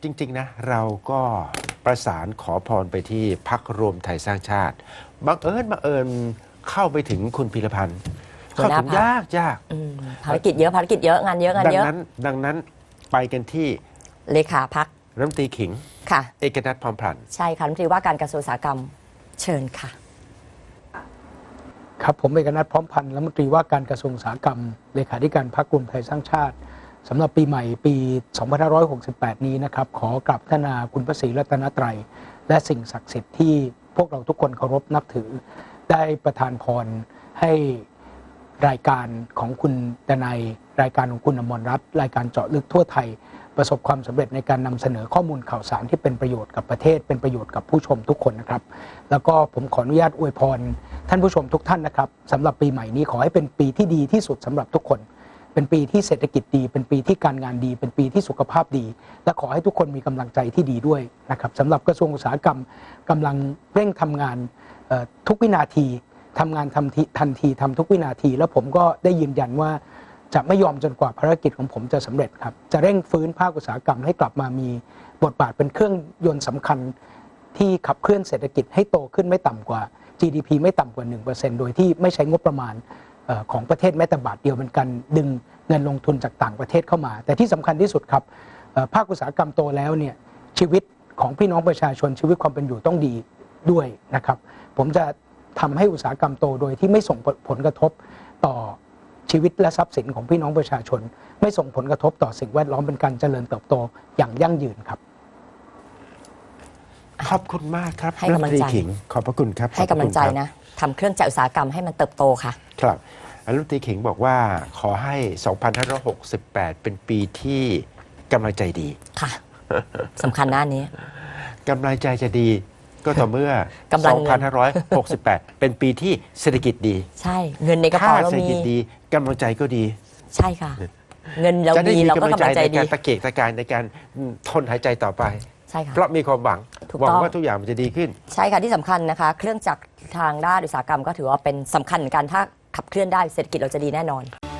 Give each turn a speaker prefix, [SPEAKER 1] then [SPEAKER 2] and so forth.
[SPEAKER 1] จริงๆนะเราก็ประสานขอพรไปที่พรรครวมไทยสร้างชาติบังเอิญเข้าไปถึงคุณพีรพันธ์เข้าถึงยาก
[SPEAKER 2] ภารกิจเยอะงานเยอะงานเยอะ
[SPEAKER 1] ดังนั้นไปกันที่
[SPEAKER 2] เลขาพรรค
[SPEAKER 1] รัฐมนตรีขิง
[SPEAKER 2] ค่ะ
[SPEAKER 1] เอกนัทพร้อมพันธ์
[SPEAKER 2] ใช่ค่ะรัฐมนตรีว่าการกระทรวงอุตสาหกรรมเชิญค่ะ
[SPEAKER 3] ครับผมเอกนัทพร้อมพันธ์รัฐมนตรีว่าการกระทรวงอุตสาหกรรมเลขาธิการพรรครวมไทยสร้างชาติสำหรับปีใหม่ปี 2568 นี้นะครับขอกราบพัฒนาคุณพระศรีรัตนตรัยและสิ่งศักดิ์สิทธิ์ที่พวกเราทุกคนเคารพนับถือได้ประทานพรให้รายการของคุณดนัยรายการของคุณอมรรัตน์รายการเจาะลึกทั่วไทยประสบความสำเร็จในการนำเสนอข้อมูลข่าวสารที่เป็นประโยชน์กับประเทศเป็นประโยชน์กับผู้ชมทุกคนนะครับแล้วก็ผมขออนุญาตอวยพรท่านผู้ชมทุกท่านนะครับสำหรับปีใหม่นี้ขอให้เป็นปีที่ดีที่สุดสำหรับทุกคนเป็นปีที่เศรษฐกิจดีเป็นปีที่การงานดีเป็นปีที่สุขภาพดีและขอให้ทุกคนมีกำลังใจที่ดีด้วยนะครับสำหรับกระทรวงอุตสาหกรรมกำลังเร่งทำงานทุกวินาทีทำงานทันทีทำทุกวินาทีแล้วผมก็ได้ยืนยันว่าจะไม่ยอมจนกว่าภารกิจของผมจะสำเร็จครับจะเร่งฟื้นภาคอุตสาหกรรมให้กลับมามีบทบาทเป็นเครื่องยนต์สำคัญที่ขับเคลื่อนเศรษฐกิจให้โตขึ้นไม่ต่ำกว่า GDP ไม่ต่ำกว่า 1% โดยที่ไม่ใช้งบประมาณของประเทศแม้แต่บาทเดียวเป็นการดึงเงินลงทุนจากต่างประเทศเข้ามาแต่ที่สำคัญที่สุดครับภาคอุตสาหกรรมโตแล้วเนี่ยชีวิตของพี่น้องประชาชนชีวิตความเป็นอยู่ต้องดีด้วยนะครับผมจะทำให้อุตสาหกรรมโตโดยที่ไม่ส่งผลกระทบต่อชีวิตและทรัพย์สินของพี่น้องประชาชนไม่ส่งผลกระทบต่อสิ่งแวดล้อมเป็นการเจริญเติบโตอย่างยั่งยืนครับ
[SPEAKER 1] ขอบคุณมากครับ
[SPEAKER 2] ให้กำลังใจ
[SPEAKER 1] ขิงขอบพระคุณครับ
[SPEAKER 2] ให้กำลังใจนะทำเครื่องจักรอุตสาหกรรมให้มันเติบโตค่ะ
[SPEAKER 1] ครับรัฐมนตรีขิงบอกว่าขอให้ 2568 เป็นปีที่กำลังใจดี
[SPEAKER 2] ค่ะสำคัญหน้านี้
[SPEAKER 1] กำลังใจจะดีก็ต่อเมื่อ 2568 เป็นปีที่เศรษฐกิจดี
[SPEAKER 2] ใช่เงินในกระเป๋าเรามี
[SPEAKER 1] เศรษฐกิจดีกำลังใจก็ดี
[SPEAKER 2] ใช่ค่ะเงินเรามีเราก็กำลังใจดี
[SPEAKER 1] ในการตะเกียกตะกายในการทนหายใจต่อไป
[SPEAKER 2] ใช่ค่ะ
[SPEAKER 1] เพราะมีความหวังว่าทุกอย่างมันจะดีขึ้น
[SPEAKER 2] ใช่ค่ะที่สำคัญนะคะเครื่องจักรทางด้านอุตสาหกรรมก็ถือว่าเป็นสำคัญเหมือนกันถ้าขับเคลื่อนได้เศรษฐกิจเราจะดีแน่นอน